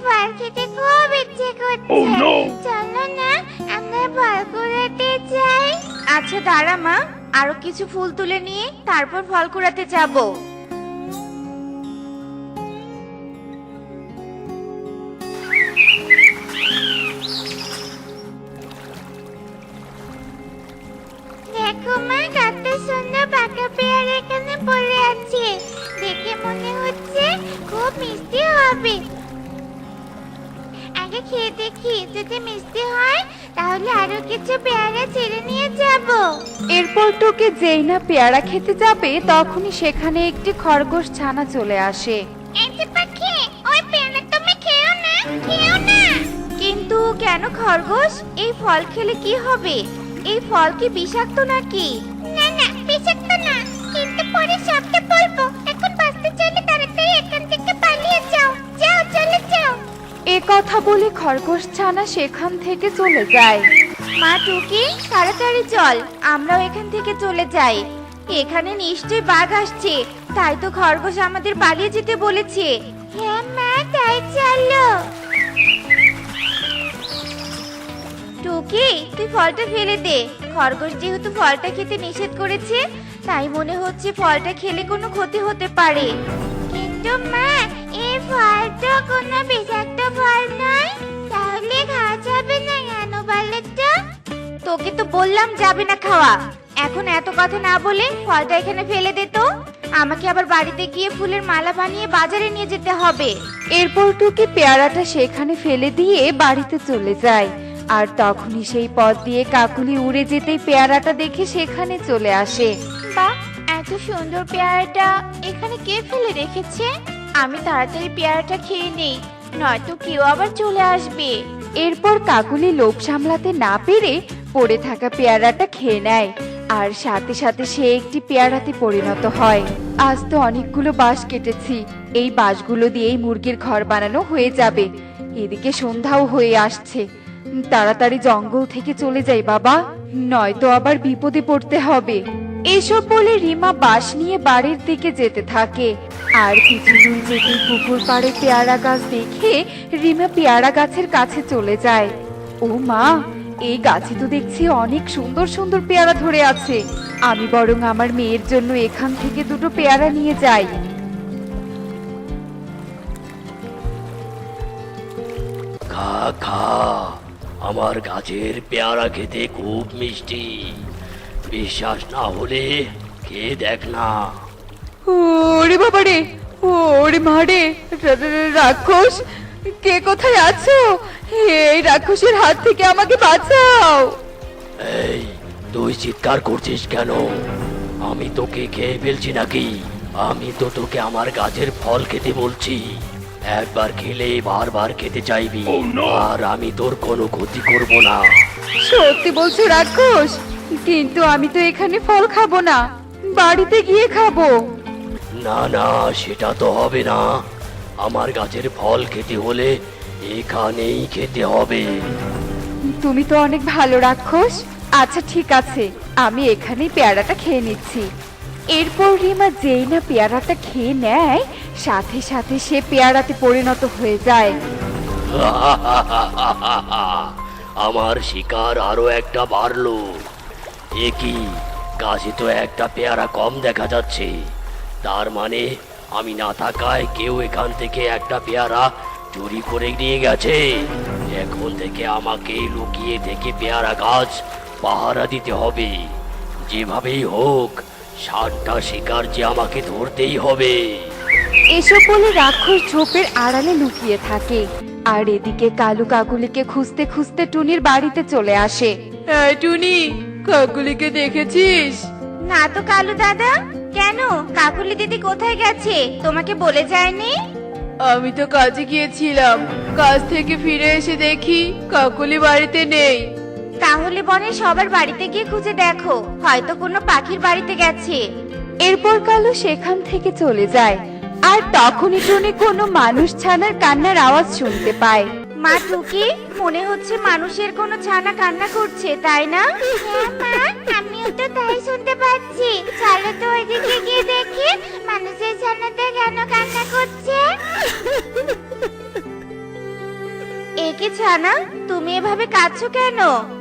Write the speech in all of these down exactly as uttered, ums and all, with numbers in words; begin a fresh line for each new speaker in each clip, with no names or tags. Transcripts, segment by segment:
ফল খেতে খুব ইচ্ছে করছে।
Oh, no!
চলো না আমরা ফল কুড়াতে যাই।
আচ্ছা দাঁড়া মা, আরো কিছু ফুল তুলে নিয়ে তারপর ফল কুড়াতে যাবো।
দেখো মা, কত সুন্দর পাকা পেয়ারা এখানে পড়ে আছে। দেখে মনে হচ্ছে খুব মিষ্টি হবে। আগে খেয়ে দেখি, যদি মিষ্টি হয় তাহলে আরো কিছু পেয়ারা ছেড়ে নিয়ে যাব।
এরপর টুকি যেই না পেয়ারা খেতে যাবে তখনই সেখানে একটি খরগোশ ছানা চলে আসে।
এই যে পাখি, ওই পেয়ারা তুমি খেও না, খেও না।
কিন্তু কেন খরগোশ, এই ফল খেলে কি হবে? এই ফল কি বিষাক্ত নাকি?
না না, বিষাক্ত না, কিন্তু পরে সবটা বলবো। এখন বাঁচতে চাইলে তাড়াতাড়ি এখান থেকে পালিয়ে যাও। যাও, চলে যাও।
এ কথা বলে খরগোশ ছানা সেখান থেকে চলে যায়।
মা টুকি, তাড়াতাড়ি চল, আমরাও এখান থেকে চলে যাই। এখানে নিশ্চয়ই বাঘ আসছে, তাই তো খরগোশ আমাদের পালিয়ে যেতে বলেছে।
হ্যাঁ মা, তাই চলো।
টুকি, তুই ফলটা ফেলে দে। খরগোশ যেহেতু ফলটা খেতে নিষেধ করেছে, তাই মনে হচ্ছে ফলটা খেলে কোনো ক্ষতি হতে পারে।
কিন্তু মা, এই ফল তো কোনো বিষাক্ত ফল নয়, তাহলে খাওয়া যাবে না কেন বলো তো?
তোকে তো বললাম যাবে না খাওয়া। এখন এত কথা না বলে ফলটা এখানে ফেলে দে তো। আমাকে আবার বাড়িতে গিয়ে ফুলের মালা বানিয়ে বাজারে নিয়ে যেতে হবে।
এরপর টুকি পেয়ারাটা সেখানে ফেলে দিয়ে বাড়িতে চলে যায়। আর তখনই সেই পথ দিয়ে কাকুলি উড়ে যেতেই পেয়ারাটা দেখে সেখানে চলে আসে।
বাহ, এত সুন্দর পেয়ারাটা এখানে কে ফেলে রেখেছে? আমি তাড়াতাড়ি পেয়ারাটা খেয়ে নেই, নয়তো কেউ আবার চলে আসবে।
এরপর কাকুলি লোভ সামলাতে না পেরে পড়ে থাকা পেয়ারাটা খেয়ে নেয়। আর সাথে সাথে সে একটি পেয়ারাতে পরিণত হয়। আজ তো অনেকগুলো বাঁশ কেটেছি, এই বাঁশগুলো দিয়েই মুরগির ঘর বানানো হয়ে যাবে। এদিকে সন্ধ্যাও হয়ে আসছে, তাড়াতাড়ি জঙ্গল থেকে চলে যাই বাবা, নয়তো আবার বিপদে পড়তে হবে। এসব বলে রিমা বাঁশ নিয়ে বাড়ির দিকে যেতে থাকে। আর কিছু দূর যেতে পুকুর পাড়ে পেয়ারা গাছ দেখে রিমা পেয়ারা গাছের কাছে চলে যায়। ও মা, এই গাছে তো দেখছি অনেক সুন্দর সুন্দর পেয়ারা ধরে আছে। আমি বরং আমার মেয়ের জন্য এখান থেকে দুটো পেয়ারা নিয়ে যাই।
খা খা, আমার গাছের পেয়ারা খেতে খুব মিষ্টি। বিশ্বাস না হলে খেয়ে দেখ না।
ওরে বাবা রে, ওরে মা রে, রা- রা- রাক্ষস, কে কোথায় আছো? এই রাক্ষসের হাত থেকে আমাকে বাঁচাও।
এই, তুই চিৎকার করছিস কেন? আমি তোকে খেয়ে ফেলছি নাকি? আমি তো তোকে আমার গাছের ফল খেতে বলছি। একবার খেলে বারবার খেতে চাইবি। আর আমি তোর কোনো ক্ষতি করব না।
সত্যি বলছো রাক্ষস? কিন্তু আমি তো এখানে ফল খাবো না, বাড়িতে গিয়ে খাবো।
না না, সেটা তো হবে না। আমার গাছের ফল খেতে হলে এখানেই খেতে হবে।
তুমি তো অনেক ভালো রাক্ষস। আচ্ছা ঠিক আছে, আমি এখানেই পেয়ারাটা খেয়ে নিচ্ছি। এরপর রিমা যেই না পেয়ারাটা খেয়ে নেয়, সাথে সাথে সে পেয়ারাতে পরিণত হয়ে যায়।
আমার শিকার আরো একটা বাড়লো। এ কি, গাছে তো একটা পেয়ারা কম দেখা যাচ্ছে। তার মানে আমি না থাকায় কেউ এখান থেকে একটা পেয়ারা চুরি করে নিয়ে গেছে। এখন থেকে আমাকে লুকিয়ে থেকে পেয়ারা গাছ পাহারা দিতে হবে। যেভাবেই হোক ষাটটা শিকার যে আমাকে ধরতেই হবে।
এসব বলে রাক্ষস ঝোপের আড়ালে লুকিয়ে থাকে। আর এদিকে কালু কাকুলিকে খুঁজতে খুঁজতে টুনির বাড়িতে চলে আসে। টুনি, কাকুলিকে দেখেছিস?
না তো কালু দাদা, কেন? কাকুলি দিদি কোথায় গেছে, তোমাকে বলে যায়নি?
আমি তো কাজে গিয়েছিলাম, কাজ থেকে ফিরে এসে দেখি কাকুলি বাড়িতে নেই।
তাহলে বনে সবার বাড়িতে গিয়ে খুঁজে দেখো, হয়তো কোনো পাখির বাড়িতে গেছে।
এরপর কালু সেখান থেকে চলে যায়। আর তখনই টুনি কোনো মানুষ ছানার কান্নার আওয়াজ শুনতে পায়।
মা টুকি, মনে হচ্ছে মানুষের কোনো ছানা কান্না করছে, তাই না?
হ্যাঁ মা, আমিও তো তাই শুনতে পাচ্ছি। চলো তো ওইদিকে গিয়ে দেখি মানুষের ছানাটা কেন কান্না করছে।
ছানা, তুমি এভাবে কাঁদছো কেন?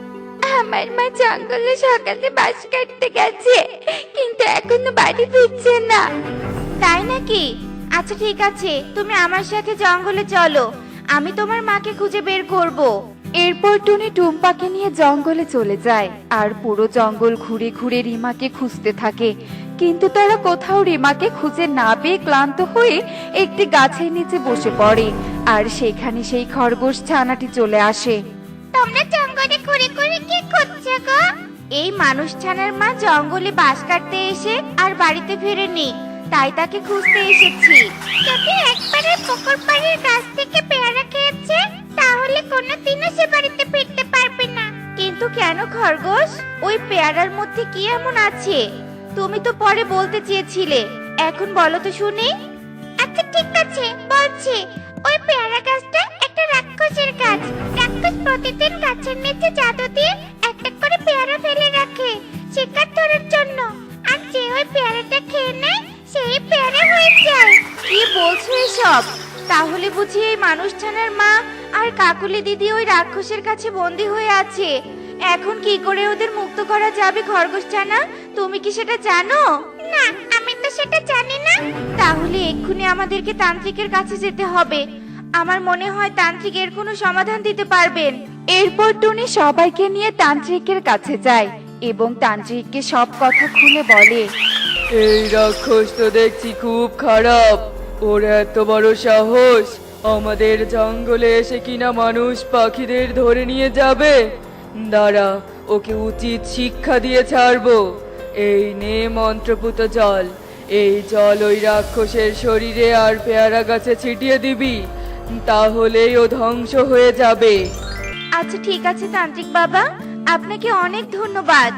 আমার মা জঙ্গলে সকালে বাস কাটতে গেছে, কিন্তু এখনো বাড়ি ফিরছে না।
তাই নাকি? আচ্ছা ঠিক আছে, তুমি আমার সাথে জঙ্গলে চলো, আমি তোমার মাকে খুঁজে বের করব।
এরপর টুনি টুম্পাকে নিয়ে জঙ্গলে চলে যায় আর পুরো জঙ্গল ঘুরে ঘুরে রিমাকে খুঁজতে থাকে, কিন্তু তারা কোথাও রিমাকে খুঁজে না পেয়ে ক্লান্ত হয়ে একটি গাছের নিচে বসে পড়ে আর সেখানে সেই খরগোশ ছানাটি চলে আসে।
তোমরা জঙ্গলে ঘুরে ঘুরে কি করছো গো?
এই মানুষ ছানার মা জঙ্গলে বাস কাটতে এসে আর বাড়িতে ফেরেনি, তাই তাকে খুঁজতে এসেছি।
যদি একবারে পুকুর পাড়ের গাছ থেকে পেয়ারা খেয়েছে, তাহলে কোনোদিনও সে বাড়িতে ফিরতে পারবে না।
কিন্তু কেন খরগোশ? ওই পেয়ারার মধ্যে কি এমন আছে? তুমি তো পরে বলতে চেয়েছিলে, এখন বলো তো শুনি।
আচ্ছা ঠিক আছে, বলছি। ওই পেয়ারা গাছটা একটা রাক্ষসের গাছ। রাক্ষস প্রতিদিন গাছের নিচে জাদু দিয়ে একটা করে পেয়ারা ফেলে রাখে শিকার ধরার জন্য, আর যে ওই পেয়ারাটা খেয়ে নেয় সেই পেয়ারা হয়ে যায়।
কি বলছো এসব? তাহলে বুঝি এই মানুষ ছানার মা আর কাকুলি দিদি ওই রাক্ষসের কাছে বন্দী হয়ে আছে। এখন কি করে ওদের মুক্ত করা যাবে খরগোশ ছানা? তুমি কি সেটা জানো?
না, আমি তো সেটা জানি না।
তাহলে এক্ষুনি আমাদেরকে তান্ত্রিকের কাছে যেতে হবে। আমার মনে হয় তান্ত্রিক এর কোনো সমাধান দিতে পারবেন।
এরপর টুনি সবাইকে নিয়ে তান্ত্রিকের কাছে যায় এবং তান্ত্রিককে সব কথা খুলে বলে।
এই রাক্ষস তো দেখছি খুব খারাপ। ওর এত বড় সাহস, আমাদের জঙ্গলে এসে কিনা মানুষ পাখিদের ধরে নিয়ে যাবে। দাঁড়া, ওকে উচিত শিক্ষা দিয়ে ছাড়বো। এই নে মন্ত্রপুত জল, এই জল ওই রাক্ষসের শরীরে আর পেয়ারা গাছে ছিটিয়ে দিবি, তাহলেই ও ধ্বংস হয়ে যাবে।
আচ্ছা ঠিক আছে তান্ত্রিক বাবা, আপনাকে অনেক ধন্যবাদ।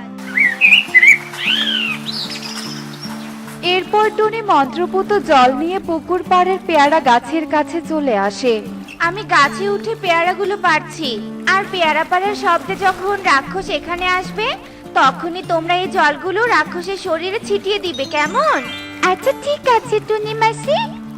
এরপর টুনি মন্ত্রপুত জল নিয়ে পুকুর পাড়ের পেয়ারা গাছের কাছে চলে আসে।
আমি গাছে উঠে পেয়ারাগুলো পাড়ছি, আর পেয়ারা পাড়ার শব্দে যখন রাক্ষস এখানে আসবে, তখনই তোমরা এই জলগুলো রাক্ষসের শরীরে ছিটিয়ে দিবে, কেমন?
আচ্ছা ঠিক আছে টুনি মাসি।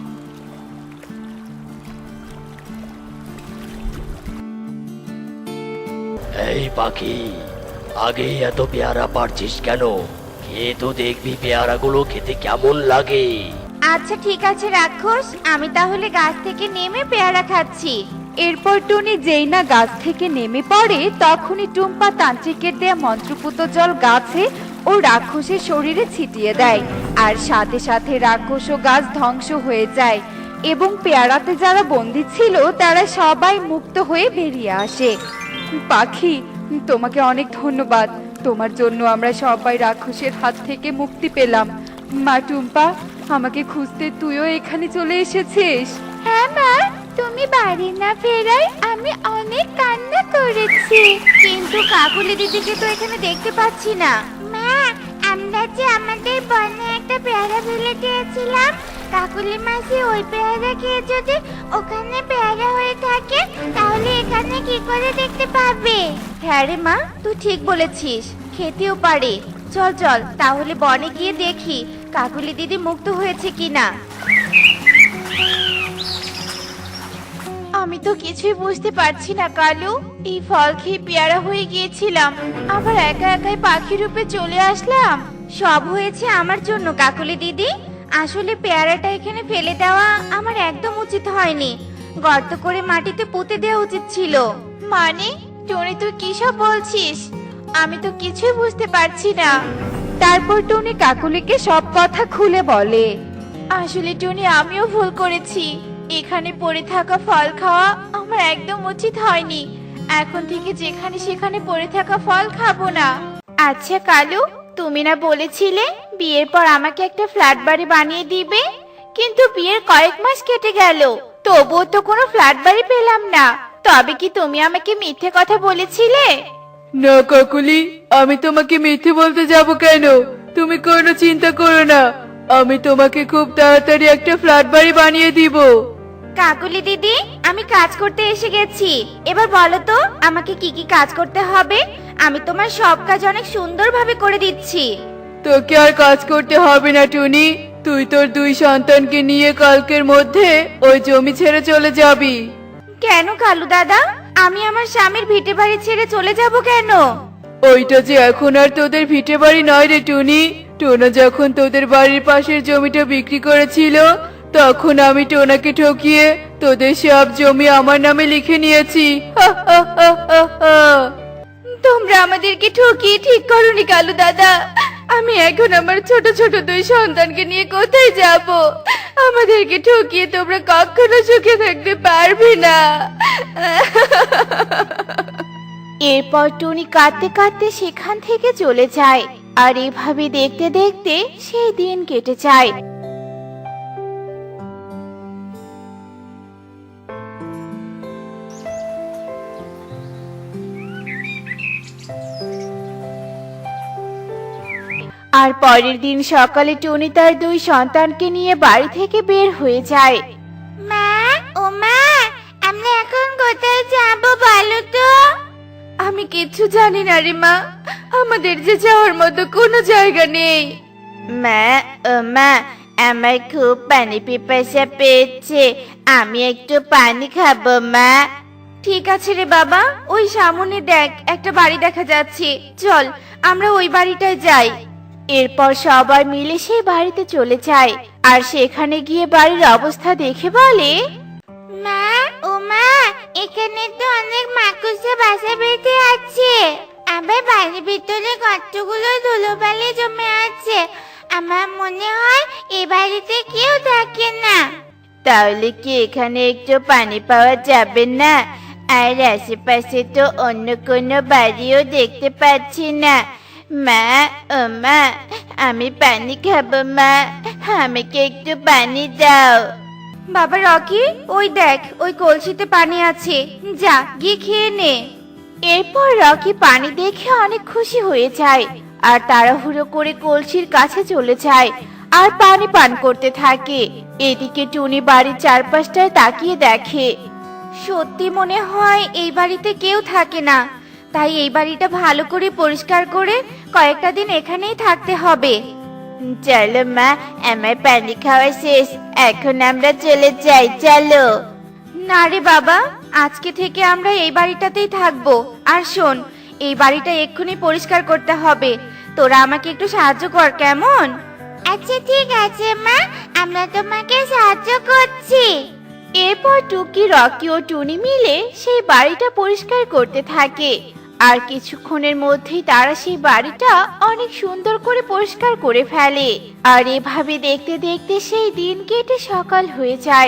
এই পাখি, আগে এত পেয়ারা পারছিস কেন? খেয়ে তো দেখবি পেয়ারাগুলো খেতে কেমন লাগে।
আচ্ছা ঠিক আছে রাক্ষস, আমি তাহলে গাছ থেকে নেমে পেয়ারা খাচ্ছি।
এরপর টুনি যেই না গাছ থেকে নেমে পড়ে, তখনই টুম্পা তান্ত্রিকের দেয়া মন্ত্রপুত জল গাছে ও রাক্ষসের শরীরে ছিটিয়ে দেয়, আর সাথে সাথে রাক্ষস ও গাছ ধ্বংস হয়ে যায় এবং পেয়ারাতে যারা বন্দী ছিল তারা সবাই মুক্ত হয়ে বেরিয়ে আসে। পাখি, তোমাকে অনেক ধন্যবাদ। তোমার জন্য আমরা সবাই রাক্ষসের হাত থেকে মুক্তি পেলাম। মা টুম্পা, আমাকে খুঁজতে তুইও এখানে চলে এসেছিস?
হ্যাঁ মা, তুমি বাড়ি না ফেরায় আমি অনেক কান্না করেছি।
কিন্তু কাকুলি দিদিকে তো এখানে দেখতে পাচ্ছি না।
মা, আমরা যে আমাদের বনে একটা পেয়ারা ফেলে দিয়েছিলাম, কাকুলি মাসি ওই পেয়ারা খেয়ে যদি ওখানে পেয়ারা হয়ে থাকে, তাহলে এখানে কি করে দেখতে পাবে?
হ্যাঁ রে মা, তুই ঠিক বলেছিস, খেতেও পারে। চল চল তাহলে বনে গিয়ে দেখি কাকুলি দিদি মুক্ত হয়েছে কিনা। আমি তো কিছুই বুঝতে পারছি না কালু, এই ফল খেয়ে পেয়ারা হয়ে গিয়েছিলাম, আবার একা একাই পাখি রূপে চলে আসলাম। সব হয়েছে আমার জন্য কাকুলি দিদি। আসলে পেয়ারাটা এখানে ফেলে দেওয়া আমার একদম উচিত হয়নি, গর্ত করে মাটিতে পুঁতে দেওয়া উচিত ছিল। মানে টনি, তুই কি সব বলছিস? আমি তো কিছুই বুঝতে পারছি না।
তারপর টুনি কাকুলিকে সব কথা খুলে বলে।
আসলে টনি, আমিও ভুল করেছি, এখানে পড়ে থাকা ফল খাওয়া আমার একদম উচিত হয়নি। এখন থেকে যেখানে সেখানে পড়ে থাকা ফল খাবো না। আচ্ছা কালু, তুমি না বলেছিলে বিয়ের পর আমাকে একটা ফ্ল্যাট বাড়ি বানিয়ে দিবে? কিন্তু বিয়ের কয়েক মাস কেটে গেল, তবুও তো কোনো ফ্ল্যাট বাড়ি পেলাম না। তবে কি তুমি আমাকে মিথ্যে কথা বলেছিলে?
না কাকুলি, আমি তোমাকে মিথ্যে বলতে যাব কেন? তুমি কোনো চিন্তা করো না, আমি তোমাকে খুব তাড়াতাড়ি একটা ফ্ল্যাট বাড়ি বানিয়ে দিব।
কাকুলি দিদি, আমি কাজ করতে এসে গেছি, এবার বলো তো আমাকে কি কি কাজ করতে হবে? আমি তোমার সব কাজ অনেক সুন্দরভাবে করে দিচ্ছি।
তোকে আর কাজ করতে হবে না টুনি, তুই তোর দুই সন্তানকে নিয়ে কালকের মধ্যে ওই জমি ছেড়ে চলে যাবি।
কেন কালু দাদা, আমি আমার স্বামীর ভিটে বাড়ি ছেড়ে চলে যাব কেন?
ওইটা যে এখন আর তোদের ভিটে বাড়ি নয় রে টুনি। টোনা যখন তোদের বাড়ির পাশের জমিটা বিক্রি করেছিল, তখন আমি টোনাকে ঠকিয়ে তোদের সব জমি আমার নামে লিখে নিয়েছি। হা হা হা হা হা।
তোমরা আমাদেরকে ঠকিয়ে ঠিক করনি কালু দাদা। আমি এখন আমার ছোট ছোট দুই সন্তানকে নিয়ে কোথায় যাব? আমাদেরকে ঠকিয়ে তোমরা কখনো সুখে থাকতে পারবে না। এরপর টুনি কাঁদতে কাঁদতে সেখান থেকে চলে যায়। আর এভাবে দেখতে দেখতে সেই দিন কেটে যায়। আর পরের দিন সকালে টুনি তার দুই সন্তানকে নিয়ে বাড়ি থেকে বের হয়ে যায়।
মা, ও মা, আমরা এখন কোথায় যাব বলো তো?
আমি কিচ্ছু জানি না রে মা, আমাদের যে যাওয়ার মতো কোনো জায়গা নেই। মা, ও মা, আমার খুব পানি পিপাসা পেয়েছে, আমি একটু পানি খাবো মা। ঠিক আছে রে বাবা, ওই সামনে দেখ একটা বাড়ি দেখা যাচ্ছে, চল আমরা ওই বাড়িটায় যাই। এরপর সবাই মিলে সেই বাড়িতে চলে যায়। আর সেখানে গিয়ে বাড়ির অবস্থা দেখে বলে,
মা, ও মা, এখানে তো অনেক মাকুসে বাসা বেঁধে আছে। আবার বাড়ির ভিতরে কতগুলো ধুলোবালি জমে আছে। আমার মনে হয় এই বাড়িতে কেউ থাকে না।
তাহলে কি এখানে একটু পানি পাওয়া যাবে না? আর আশেপাশে তো অন্য কোনো বাড়িও দেখতে পাচ্ছি না। মা, ও মা, আমি পানি খাবো মা, আমাকে একটু পানি দাও। বাবা রকি, ওই দেখ ওই কলসিতে পানি আছে, যা গিয়ে খেয়ে নে। এরপর রকি পানি দেখে অনেক খুশি হয়ে যায় আর তাড়াহুড়ো করে কলসির কাছে চলে যায় আর পানি পান করতে থাকে। এদিকে টুনি বাড়ির চারপাশটায় তাকিয়ে দেখে, সত্যি মনে হয় এই বাড়িতে কেউ থাকে না। তাই এই বাড়িটা ভালো করে পরিষ্কার করে কয়েকটা দিন এখানেই থাকতে হবে। চলো মা, আমার পানি খাওয়া শেষ, এখন আমরা চলে যাই, চলো। না রে বাবা, আজকে থেকে আমরা এই বাড়িটাতেই থাকবো। আর শোন, এই বাড়িটা এক্ষুনি পরিষ্কার করতে হবে, তোরা আমাকে একটু সাহায্য কর, কেমন?
আচ্ছা ঠিক আছে মা, আমরা তোমাকে সাহায্য করছি।
এরপর টুকি, রকি ও টুনি মিলে সেই বাড়িটা পরিষ্কার করতে থাকে। আর কিছুক্ষণের মধ্যেই তারা সেই বাড়িটা অনেক সুন্দর করে পরিষ্কার করে ফেলে। আর এভাবে দেখতে দেখতে সেই দিন কেটে সকাল হয়ে যায়।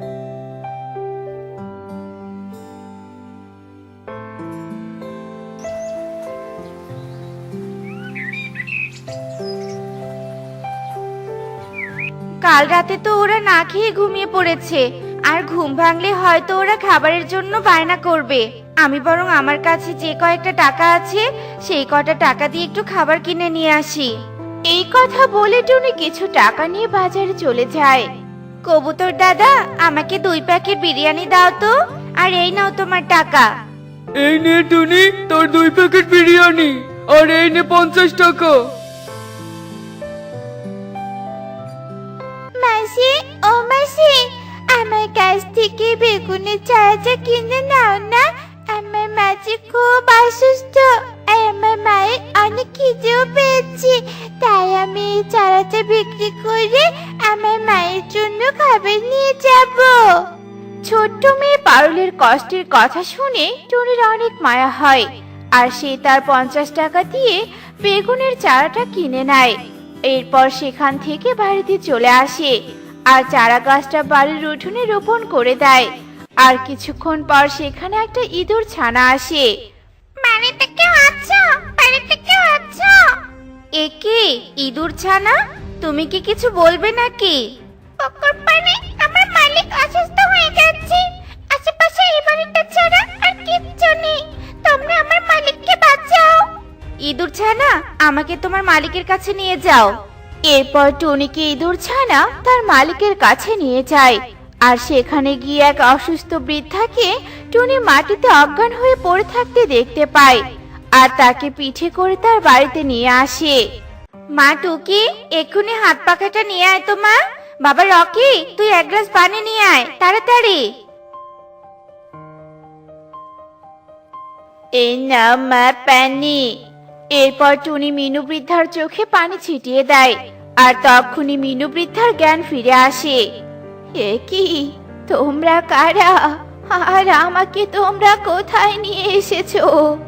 কাল রাতে তো ওরা না খেয়ে ঘুমিয়ে পড়েছে, আর ঘুম ভাঙলে হয়তো ওরা খাবারের জন্য বায়না করবে। আমি বরং আমার কাছে যে কয়েকটা টাকা আছে সেই কয়টা টাকা দিয়ে একটু খাবার কিনে নিয়ে আসি। এই কথা বলে টুনি কিছু টাকা নিয়ে বাজারে চলে যায়। কবুতর দাদা, আমাকে দুই প্যাকেট বিরিয়ানি দাও তো, আর এই নাও তোমার টাকা।
এই নে টুনি, তোর দুই প্যাকেট বিরিয়ানি, আর এই নে পঞ্চাশ টাকা।
মাসি, ও মাসি, আমার কাছ থেকে বেগুনের চারাটা কিনে নাও না। আমার মাঝে খুব অসুস্থ আর আমার মায়ের অনেক খিদেও পেয়েছে, তাই আমি এই চারাটা বিক্রি করে আমার মায়ের জন্য খাবার নিয়ে যাব।
ছোট্ট মেয়ে পারুলের কষ্টের কথা শুনে টুনির অনেক মায়া হয়, আর সে তার পঞ্চাশ টাকা দিয়ে বেগুনের চারাটা কিনে নেয়। এরপর সেখান থেকে বাড়িতে চলে আসে আর চারা গাছটা বাড়ির উঠোনে রোপণ করে দেয়। আর কিছুক্ষণ পর সেখানে একটা ইঁদুর ছানা আসে।
বাড়িতে কেউ আছো? বাড়িতে কেউ আছো?
এ কি ইঁদুর ছানা, তুমি কি কিছু বলবে নাকি?
পুকুর পাড়ে আমার মালিক অসুস্থ হয়ে যাচ্ছে। আশেপাশে এই বাড়িটা ছাড়া আর কিচ্ছু নেই, তোমরা আমার মালিককে বাঁচাও।
ইঁদুর ছানা, আমাকে তোমার মালিকের কাছে নিয়ে যাও। এরপর টুনিকে ইঁদুর ছানা তার মালিকের কাছে নিয়ে যায়। আর সেখানে গিয়ে এক অসুস্থ বৃদ্ধাকে টুনি মাটিতে অজ্ঞান হয়ে পড়ে থাকতে দেখতে পায় আর তাকে পিঠে করে তার বাড়িতে নিয়ে আসে। মা টুকি, এক্ষুনি হাত পাখাটা নিয়ে আয় তো মা। বাবা রকি, তুই এক গ্লাস পানি নিয়ে আয় তাড়াতাড়ি। এই নাও মা পানি। এরপর টুনি মিনু বৃদ্ধার চোখে পানি ছিটিয়ে দেয়, আর তখনই মিনু বৃদ্ধার জ্ঞান ফিরে আসে। এ কি, তোমরা কারা? আর আমাকে তোমরা কোথায় নিয়ে এসেছো?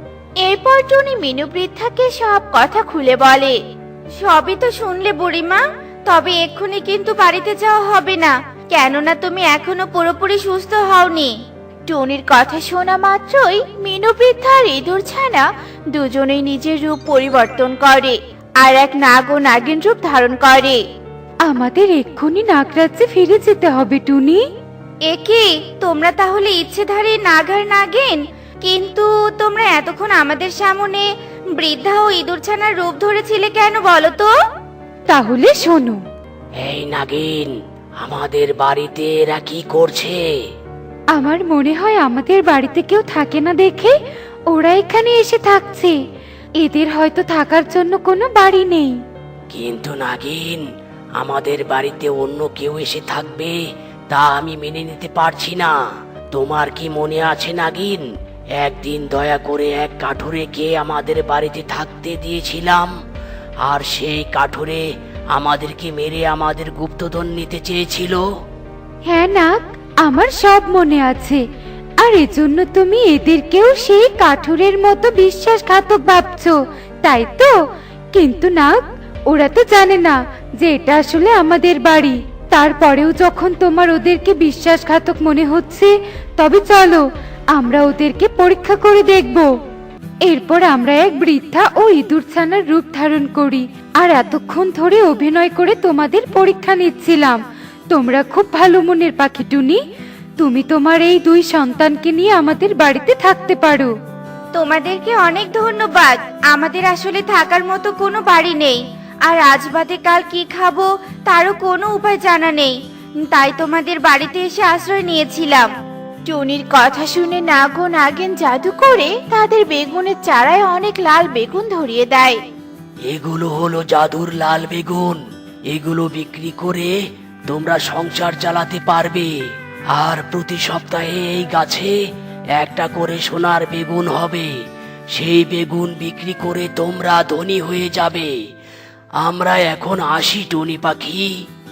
এরপর টুনি মিনু বৃদ্ধাকে সব কথা খুলে বলে। সবই তো শুনলে বুড়িমা, তবে এক্ষুনি কিন্তু বাড়িতে যাওয়া হবে না, কেননা তুমি এখনো পুরোপুরি সুস্থ হওনি। টুনির কথা শোনা মাত্রই মিনু বৃদ্ধা আর ইঁদুর ছানা দুজনেই নিজের রূপ পরিবর্তন করে আর এক নাগ ও নাগিন রূপ ধারণ করে।
আমাদের এক্ষুনি নাগরাজ্যে ফিরে যেতে হবে টুনি।
একে তোমরা তাহলে ইচ্ছেধারী নাগ আর নাগিন? কিন্তু তোমরা এতক্ষণ আমাদের সামনে বৃদ্ধা ও ইঁদুর ছানার রূপ ধরেছিলে কেন বলো তো?
তাহলে শোনো।
এই নাগিন, আমাদের বাড়িতে এরা কি করছে?
আমার মনে হয় আমাদের বাড়িতে কেউ থাকে না দেখে ওরা এখানে এসে থাকছে। এদের হয়তো থাকার জন্য কোনো বাড়ি নেই।
কিন্তু নাগিন, আমাদের বাড়িতে অন্য কেউ এসে থাকবে তা আমি মেনে নিতে পারছি না। তোমার কি মনে আছে নাগিন, একদিন দয়া করে এক কাঠুরেকে আমাদের বাড়িতে থাকতে দিয়েছিলাম, আর সেই কাঠুরে আমাদেরকে মেরে আমাদের গুপ্তধন নিতে চেয়েছিল?
হ্যাঁ নাগ, আমার সব মনে আছে। আর এজন্য তুমি এদেরকেও সেই কাঠুরের মতো বিশ্বাসঘাতক ভাবছো, তাই তো? কিন্তু নাগ, ওরা তো জানে না যে এটা আসলে আমাদের বাড়ি। তারপরেও যখন তোমার ওদেরকে বিশ্বাসঘাতক মনে হচ্ছে, তবে চলো আমরা ওদেরকে পরীক্ষা করে দেখব। এরপর আমরা এক বৃদ্ধা ও ইঁদুর ছানার রূপ ধারণ করি, আর এতক্ষণ ধরে অভিনয় করে তোমাদের পরীক্ষা নিচ্ছিলাম। তোমরা খুব ভালো মনের পাখি টুনি, তুমি তোমার এই দুই সন্তানকে নিয়ে আমাদের বাড়িতে থাকতে পারো।
তোমাদেরকে অনেক ধন্যবাদ। আমাদের আসলে থাকার মতো কোনো বাড়ি নেই, আর আজ বাদে কাল কি খাবো তারও কোনো উপায় জানা নেই, তাই তোমাদের বাড়িতে এসে আশ্রয় নিয়েছিলাম। টুনির কথা শুনে নাগ ও নাগিন জাদু করে তাদের বেগুনের চারায় অনেক লাল বেগুন ধরিয়ে দেয়।
এগুলো হলো জাদুর লাল বেগুন। এগুলো বিক্রি করে তোমরা সংসার চালাতে পারবে, আর প্রতি সপ্তাহে এই গাছে একটা করে সোনার বেগুন হবে। সেই বেগুন বিক্রি করে তোমরা ধনী হয়ে যাবে। আমরা এখন আসি টুনি পাখি।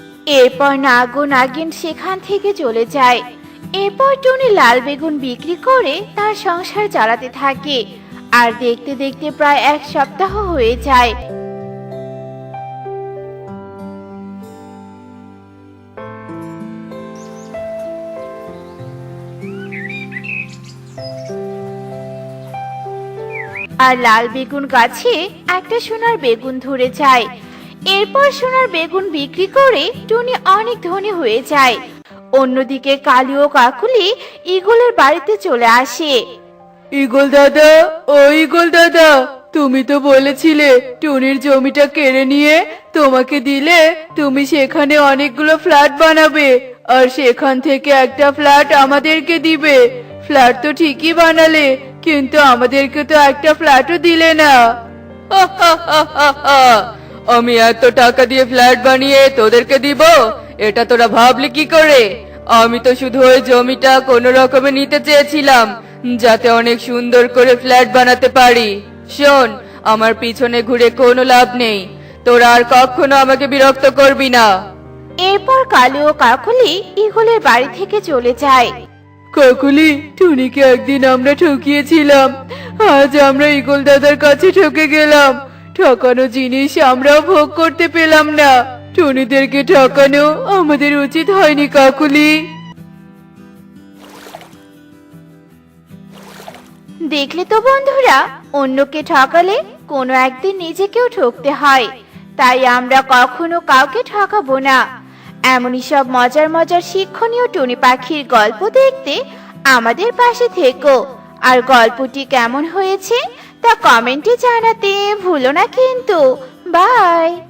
এরপর নাগ ও নাগিন সেখান থেকে চলে যায়। এরপর টুনি লাল বেগুন বিক্রি করে তার সংসার চালাতে থাকে, আর দেখতে দেখতে প্রায় এক সপ্তাহ হয়ে যায়। আর লাল বেগুন গাছে একটা সোনার বেগুন ধরে যায়। এরপর সোনার বেগুন বিক্রি করে টুনি অনেক ধনী হয়ে যায়। অন্যদিকে কালি ও কাকুলি ঈগলের বাড়িতে চলে আসে।
ঈগল দাদা, ও ঈগল দাদা, তুমি তো বলেছিলে টুনির জমিটা কেড়ে নিয়ে তোমাকে দিলে তুমি সেখানে অনেকগুলো ফ্ল্যাট বানাবে, আর সেখান থেকে একটা ফ্ল্যাট আমাদেরকে দিবে। ফ্ল্যাট তো ঠিকই বানালে, কিন্তু আমাদেরকে তো একটা ফ্ল্যাটও দিলে না। আমি এত টাকা দিয়ে ফ্ল্যাট বানিয়ে তোদেরকে দিব, এটা তোরা ভাবলি কি করে? আমি তো শুধু ওই জমিটা কোনো রকমে নিতে চেয়েছিলাম, যাতে অনেক সুন্দর করে ফ্ল্যাট বানাতে পারি। শোন, আমার পিছনে ঘুরে কোনো লাভ নেই, তোরা আর কখনো আমাকে বিরক্ত করবি না।
এরপর কালু ও কাকুলি ঈগলের বাড়ি থেকে চলে যায়।
কাকুলি, টুনিকে একদিন আমরা ঠকিয়েছিলাম, আজ আমরা ঈগল দাদার কাছে ঠকে গেলাম। ঠকানো জিনিস আমরাও ভোগ করতে পেলাম না। টুনিদেরকে ঠকানো আমাদের উচিত হয়নি কাকুলি।
দেখলে তো বন্ধুরা, অন্যকে ঠকালে কোনো একদিন নিজেকেও ঠকতে হয়। তাই আমরা কখনো কাউকে ঠকাবো না। এমনই সব মজার মজার শিক্ষণীয় টুনি পাখির গল্প দেখতে আমাদের পাশে থেকো। আর গল্পটি কেমন হয়েছে তা কমেন্টে জানাতে ভুলো না কিন্তু। বাই।